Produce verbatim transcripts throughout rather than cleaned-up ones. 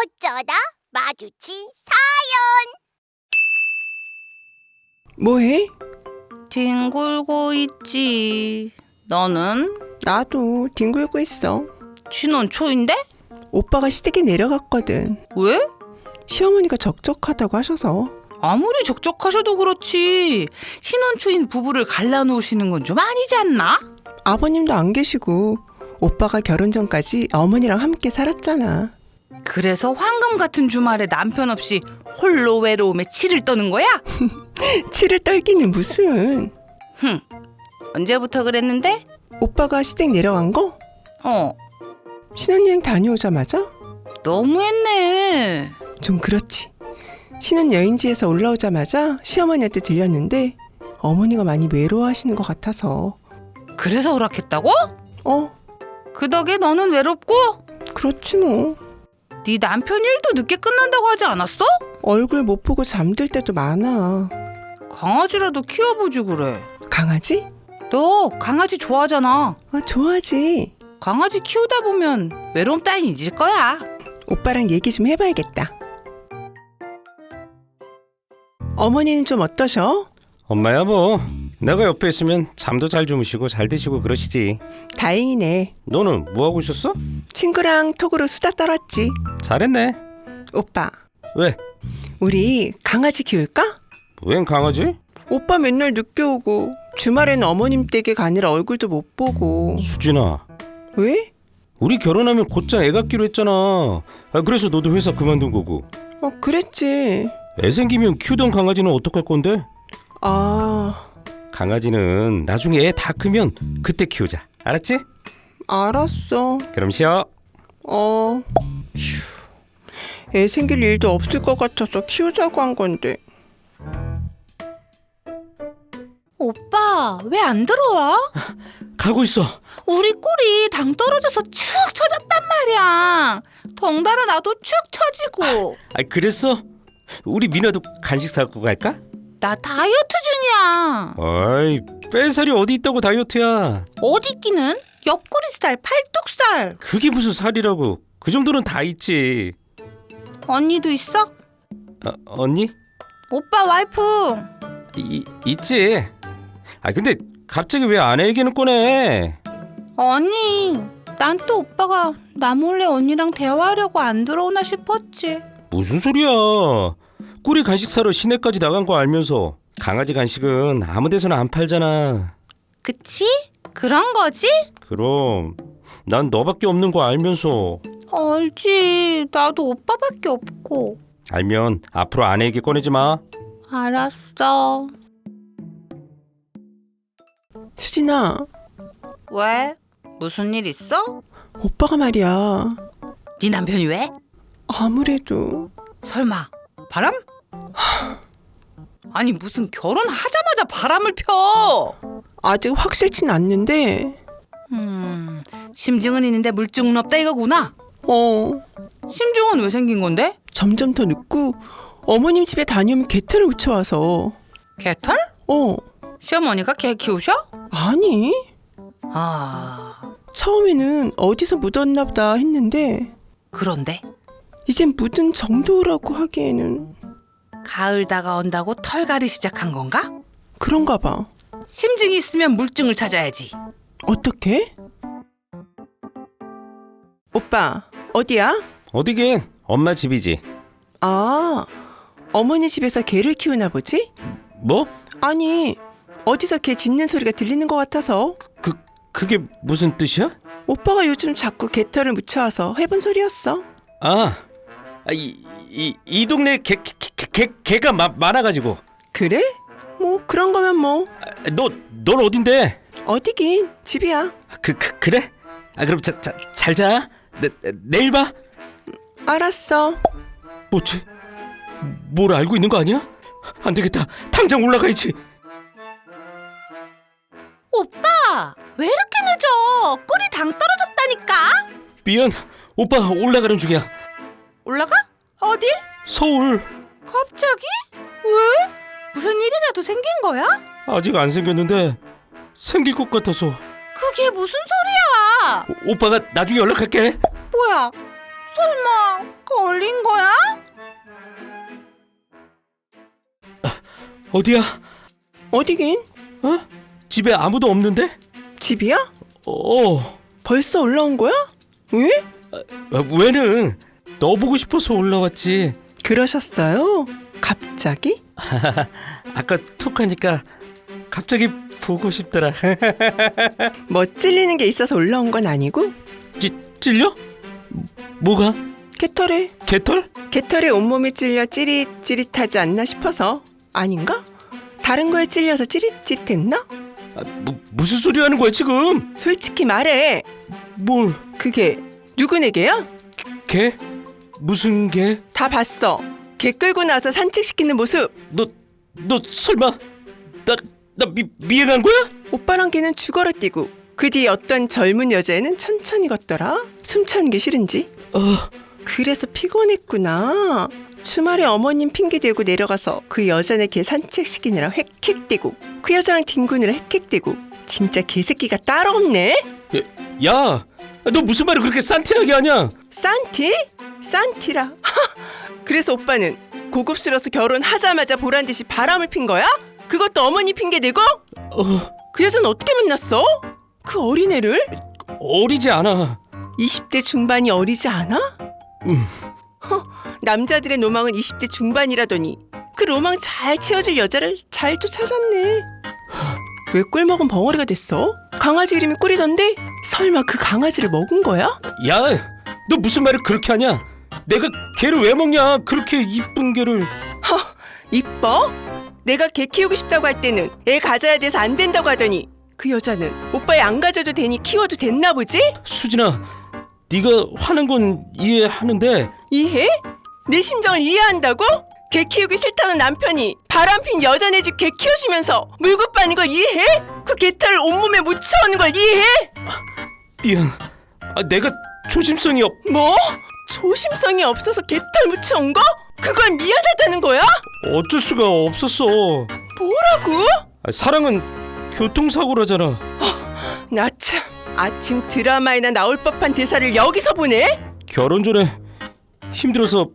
어쩌다 마주친 뭐해? 뒹굴고 있지. 너는? 나도 뒹굴고 있어. 신혼 초인데? 오빠가 시댁에 내려갔거든. 왜? 시어머니가 적적하다고 하셔서. 아무리 적적하셔도 그렇지. 신혼 초인 부부를 갈라놓으시는 건 좀 아니지 않나? 아버님도 안 계시고 오빠가 결혼 전까지 어머니랑 함께 살았잖아. 그래서 황금 같은 주말에 남편 없이 홀로 외로움에 치를 떠는 거야? 치를 떨기는 무슨. 흠. 언제부터 그랬는데? 오빠가 시댁 내려간 거? 어. 신혼여행 다녀오자마자? 너무했네. 좀 그렇지. 신혼여행지에서 올라오자마자 시어머니한테 들렸는데 어머니가 많이 외로워하시는 것 같아서. 그래서 허락했다고? 어, 그 덕에 너는 외롭고? 그렇지 뭐. 네 남편 일도 늦게 끝난다고 하지 않았어? 얼굴 못 보고 잠들 때도 많아. 강아지라도 키워보지 그래. 강아지? 너 강아지 좋아하잖아. 아, 좋아하지. 강아지 키우다 보면 외로움 따윈 잊을 거야. 오빠랑 얘기 좀 해봐야겠다. 어머니는 좀 어떠셔? 엄마야 뭐 내가 옆에 있으면 잠도 잘 주무시고 잘 드시고 그러시지. 다행이네. 너는 뭐하고 있었어? 친구랑 톡으로 수다 떨었지. 잘했네. 오빠, 왜? 우리 강아지 키울까? 웬 강아지? 오빠 맨날 늦게 오고 주말에는 어머님 댁에 가느라 얼굴도 못 보고. 수진아, 왜? 우리 결혼하면 곧장 애 갖기로 했잖아. 아, 그래서 너도 회사 그만둔 거고. 어, 그랬지. 애 생기면 키우던 강아지는 어떡할 건데? 아, 강아지는 나중에 애 다 크면 그때 키우자. 알았지? 알았어. 그럼 쉬어. 어. 휴. 애 생길 일도 없을 것 같아서 키우자고 한 건데. 오빠 왜 안 들어와? 가고 있어. 우리 꿀이 당 떨어져서 축 처졌단 말이야. 덩달아 나도 축 처지고. 아, 그랬어? 우리 민아도 간식 사갖고 갈까? 나 다이어트 중이야. 어이, 뺄살이 어디 있다고 다이어트야. 어디 있기는? 옆구리 살, 팔뚝살. 그게 무슨 살이라고. 그 정도는 다 있지. 언니도 있어? 어, 언니? 오빠 와이프. 이, 있지. 아 근데 갑자기 왜 아내 얘기는 꺼내? 아니, 난 또 오빠가 나 몰래 언니랑 대화하려고 안 들어오나 싶었지. 무슨 소리야. 꿀이 간식 사러 시내까지 나간 거 알면서. 강아지 간식은 아무 데서나 안 팔잖아. 그치? 그런 거지? 그럼 난 너밖에 없는 거 알면서. 알지. 나도 오빠밖에 없고. 알면 앞으로 아내 얘기 꺼내지 마. 알았어. 수진아, 왜? 무슨 일 있어? 오빠가 말이야. 네 남편이 왜? 아무래도. 설마 바람? 아니 무슨 결혼하자마자 바람을 펴. 아직 확실치는 않는데. 음, 심증은 있는데 물증은 없다 이거구나. 어, 심증은 왜 생긴 건데? 점점 더 늦고 어머님 집에 다녀오면 개털을 묻혀와서. 개털? 어, 시어머니가 개 키우셔? 아니. 아, 처음에는 어디서 묻었나 보다 했는데 그런데 이젠 묻은 정도라고 하기에는. 가을 다가온다고 털갈이 시작한 건가? 그런가 봐. 심증이 있으면 물증을 찾아야지. 어떻게? 오빠, 어디야? 어디긴 엄마 집이지. 아, 어머니 집에서 개를 키우나 보지? 뭐? 아니, 어디서 개 짖는 소리가 들리는 것 같아서. 그 그게 무슨 뜻이야? 오빠가 요즘 자꾸 개털을 묻혀와서 해본 소리였어. 아, 이 이 이 동네 개 개 개 개가 마, 많아가지고. 그래? 뭐 그런 거면 뭐. 아, 너 넌 어딘데? 어디긴 집이야. 그, 그 그래? 아 그럼 자, 자, 잘 자. 내, 내일 봐. 알았어. 뭐지? 뭘 알고 있는 거 아니야? 안 되겠다. 당장 올라가야지. 오빠 왜 이렇게 늦어? 꿀이 당 떨어졌다니까. 미안. 오빠 올라가는 중이야. 올라가? 어딜? 서울. 갑자기? 왜? 무슨 일이라도 생긴 거야? 아직 안 생겼는데 생길 것 같아서. 그게 무슨 소리야? 오, 오빠가 나중에 연락할게. 뭐야? 설마 걸린 어디야? 어디긴? 어? 집에 아무도 없는데? 집이야? 어. 벌써 올라온 거야? 왜? 아, 왜는 너 보고 싶어서 올라왔지. 그러셨어요? 갑자기? 아까 톡하니까 갑자기 보고 싶더라. 뭐 찔리는 게 있어서 올라온 건 아니고? 찌, 찔려? 뭐가? 개털에 개털? 개털에 온몸이 찔려 찌릿찌릿하지 않나 싶어서. 아닌가? 다른 거에 찔려서 찌릿찌릿했나? 아, 뭐, 무슨 소리 하는 거야 지금? 솔직히 말해. 뭘? 그게 누구네 개야? 개? 무슨 개? 다 봤어. 개 끌고 나서 산책시키는 모습. 너, 너 설마 나, 나 미, 미행한 거야? 오빠랑 걔는 죽어라 뛰고 그 뒤에 어떤 젊은 여자애는 천천히 걷더라. 숨 차는 게 싫은지. 어, 그래서 피곤했구나. 주말에 어머님 핑계대고 내려가서 그 여자네 개 산책시키느라 헥헥대고 그 여자랑 뒹구느라 헥헥대고. 진짜 개새끼가 따로 없네. 야, 너 무슨 말을 그렇게 산티하게 하냐? 산티? 산티라. 그래서 오빠는 고급스러워서 결혼하자마자 보란듯이 바람을 핀 거야? 그것도 어머니 핑계대고? 어, 그 여자는 어떻게 만났어? 그 어린애를? 어리지 않아. 이십 대 중반이 어리지 않아? 음. 허, 남자들의 로망은 이십 대 중반이라더니 그 로망 잘 채워줄 여자를 잘 또 찾았네. 왜 꿀먹은 벙어리가 됐어? 강아지 이름이 꿀이던데? 설마 그 강아지를 먹은 거야? 야, 너 무슨 말을 그렇게 하냐? 내가 개를 왜 먹냐? 그렇게 이쁜 개를. 허, 이뻐? 내가 개 키우고 싶다고 할 때는 애 가져야 돼서 안 된다고 하더니 그 여자는 오빠 애 안 가져도 되니 키워도 됐나 보지? 수진아, 네가 화는 건 이해하는데 이해? 내 심정을 이해한다고? 개 키우기 싫다는 남편이 바람핀 여자네 집 개 키워주면서 물고 빠는 걸 이해해? 그 개털을 온몸에 묻혀오는 걸 이해해? 미안. 아, 내가 조심성이 없. 뭐? 조심성이 없어서 개털 묻혀온 거? 그걸 미안하다는 거야? 어쩔 수가 없었어. 뭐라고? 아, 사랑은 교통사고라잖아. 나 참 아침 드라마에나 나올 법한 대사를 여기서 보네? 결혼 전에 힘들어서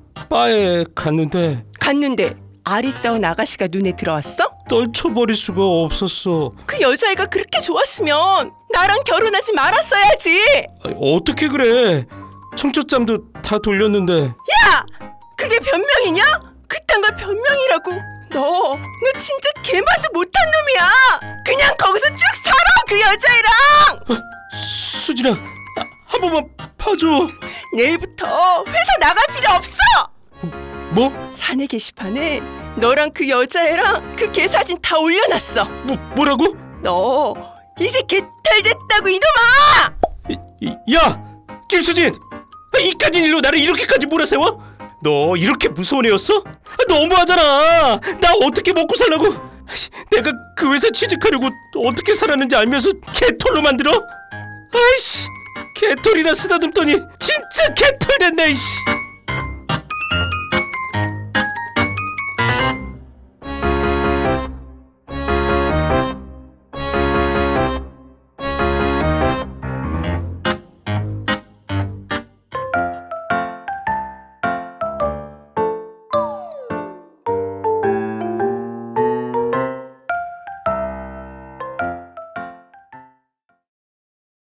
바에 갔는데 갔는데 아리따운 아가씨가 눈에 들어왔어? 떨쳐버릴 수가 없었어. 그 여자애가 그렇게 좋았으면 나랑 결혼하지 말았어야지. 아, 어떻게 그래? 청첩장도 다 돌렸는데. 야! 그게 변명이냐? 그딴 걸 변명이라고. 너, 너 진짜 개만도 못한 놈이야. 그냥 거기서 쭉 살아, 그 여자애랑. 수진아, 아, 한 번만 봐줘. 내일부터 회사 나갈 필요 없어. 뭐? 사내 게시판에 너랑 그 여자애랑 그 개 사진 다 올려놨어. 뭐 뭐라고? 너 이제 개털 됐다고 이놈아. 이, 이, 야, 김수진, 아, 이까진 일로 나를 이렇게까지 몰아세워? 너 이렇게 무서운 애였어? 아, 너무하잖아. 나 어떻게 먹고 살라고? 내가 그 회사 취직하려고 어떻게 살았는지 알면서 개털로 만들어? 아이씨, 개털이나 쓰다듬더니 진짜 개털 됐네. 이씨.